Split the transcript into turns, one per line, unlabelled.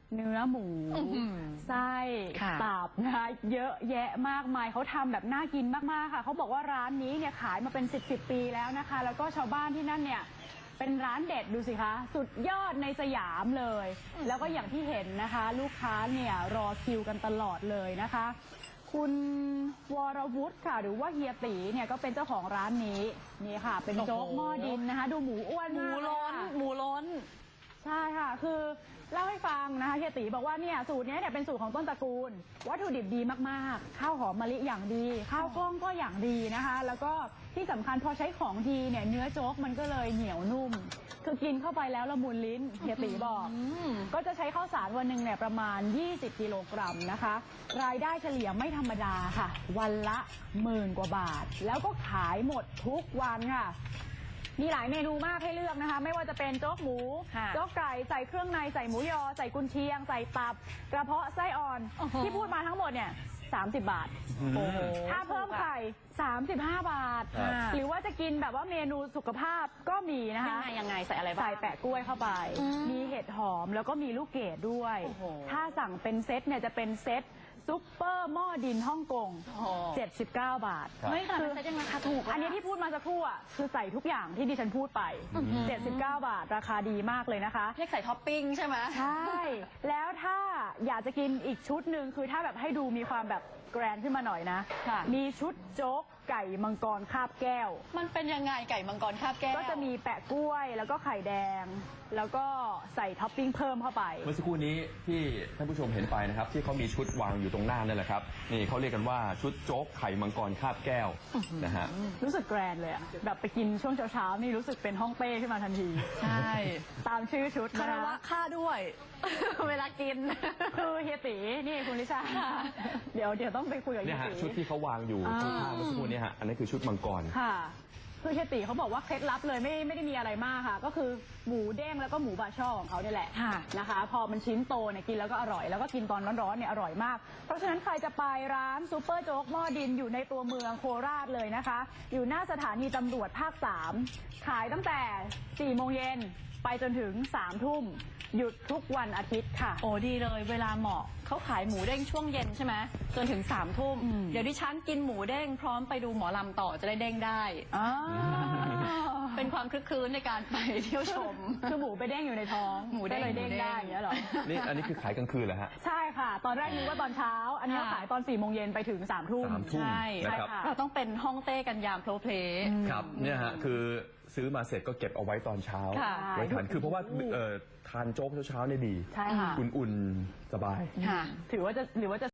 เนื้อหมูไส้ตับนะคะเยอะแยะมากมายเขาทำแบบน่ากินมากๆค่ะเขาบอกว่าร้านนี้เนี่ยขายมาเป็น10 ปีแล้วนะคะแล้วก็ชาวบ้านที่นั่นเนี่ยเป็นร้านเด็ดดูสิคะสุดยอดในสยามเลยแล้วก็อย่างที่เห็นนะคะลูกค้าเนี่ยรอคิวกันตลอดเลยนะคะคุณวรวุฒิค่ะหรือว่าเฮียตีเนี่ยก็เป็นเจ้าของร้านนี้นี่ค่ะเป็นโจ๊กหม้อดินนะคะดูหมูอ้วนมาก
หมูล้น
ใช่ค่ะคือเล่าให้ฟังนะคะเฮียตีบอกว่าเนี่ยสูตรนี้เนี่ยเป็นสูตรของต้นตระกูลวัตถุดิบดีมากๆข้าวหอมมะลิอย่างดีข้าวกล้องก็อย่างดีนะคะแล้วก็ที่สำคัญพอใช้ของดีเนี่ยเนื้อโจ๊กมันก็เลยเหนียวนุ่มคือกินเข้าไปแล้วละมุนลิ้นเฮียตีบอกก็จะใช้ข้าวสารวันหนึ่งเนี่ยประมาณ20 กิโลกรัมนะคะรายได้เฉลี่ยไม่ธรรมดาค่ะวันละ10,000 กว่าบาทแล้วก็ขายหมดทุกวันค่ะมีหลายเมนูมากให้เลือกนะคะไม่ว่าจะเป็นโจ๊กหมูโจ๊กไก่ใส่เครื่องในใส่หมูยอใส่กุนเชียงใส่ตับกระเพาะไส้อ่อนที่พูดมาทั้งหมดเนี่ย30 บาทถ้าเพิ่มไข่35 บาทหรือว่าจะกินแบบว่าเมนูสุขภาพก็มีนะคะ
ยังไงใส่อะไรบ้าง
ใส่แปะกล้วยเข้าไปมีเห็ดหอมแล้วก็มีลูกเกดด้วยถ้าสั่งเป็นเซตเนี่ยจะเป็นเซตซุปเปอร์หม้อดินฮ่องกง79 บาท
ไม่ค่ะเป็นเซตยังราคาถูก
อันนี้ที่พูดมาสักครู่อ่ะคือใส่ทุกอย่างที่ดิฉันพูดไป79 บาทราคาดีมากเลยนะคะ
เรียกใส่ท็อปปิ้งใช่ไหม
ใช่แล้วถ้าอยากจะกินอีกชุดหนึ่งคือถ้าแบบให้ดูมีความแบบแกรนด์ขึ้นมาหน่อยนะมีชุดโจ๊กไก่มังกรคาบแก้ว
มันเป็นยังไงไก่มังกรคาบแก้ว
ก็จะมีแปะกล้วยแล้วก็ไข่แดงแล้วก็ใส่ท็อปปิ้งเพิ่มเข้าไป
เมื่อสักครู่นี้ที่ท่านผู้ชมเห็นไปนะครับที่เขามีชุดวางอยู่ตรงหน้านั่นแหละครับนี่เขาเรียกกันว่าชุดโจ๊กไข่มังกรคาบแก้วนะฮะ
รู้สึกแกรนด์เลยอะแบบไปกินช่วงเช้าๆนี่รู้สึกเป็นฮ่องเต้ขึ้นมาทันที
ใช่
ตามชื่อชุด
คารวะค่าด้วยเวลากิน
คือเฮียตีนี่คุณลิชาเดี๋ยวต้องไปคุยกับเฮียตี
ชุดที่เขาวางอยู่ข้างๆเมื่อสักครู่นี้ฮะอันนี้คือชุดมังกร
ค่ะคือเฮียตีเขาบอกว่าเคล็ดลับเลยไม่ได้มีอะไรมากค่ะก็คือหมูเด้งแล้วก็หมูบาช่อของเขาเนี่ยแหละนะคะพอมันชิ้นโตเนี่ยกินแล้วก็อร่อยแล้วก็กินตอนร้อนๆเนี่ยอร่อยมากเพราะฉะนั้นใครจะไปร้านซุปเปอร์โจ๊กหม้อดินอยู่ในตัวเมืองโคราชเลยนะคะอยู่หน้าสถานีตำรวจภาค3ขายตั้งแต่4 โมงเย็นไปจนถึง3 ทุ่มหยุดทุกวันอาทิตย์ค่ะ
โอ้ดีเลยเวลาเหมาะเขาขายหมูเด้งช่วงเย็นใช่ไหมจนถึง3 ทุ่มเดี๋ยวดิฉันกินหมูเด้งพร้อมไปดูหมอลำต่อจะได้เด้งได้เป็นความคลึกคลื้นในการไปเที่ยวชม
คือหมูไปเด้งอยู่ในท้อง
หมูได้
เลยเด้งได้อย่างเงี้ยหรอ
นี่อันนี้คือขายกลางคืนเหรอฮะ
ใช่ค่ะตอนแรกนึกว่าตอนเช้าอันนี้ขายตอน4 โมงเย็นไปถึง3 ทุ่ม
ใช่
ค่ะเราต้องเป็นฮ่องเต้กันยามโพลเพล
ครับเนี่ยฮะคือซื้อมาเสร็จก็เก็บเอาไว้ตอนเช้าไว้ทานคือเพราะว่าทานโจ๊กเช้าๆเนี่ยดีอุ่นๆสบาย
ถือว่าจะ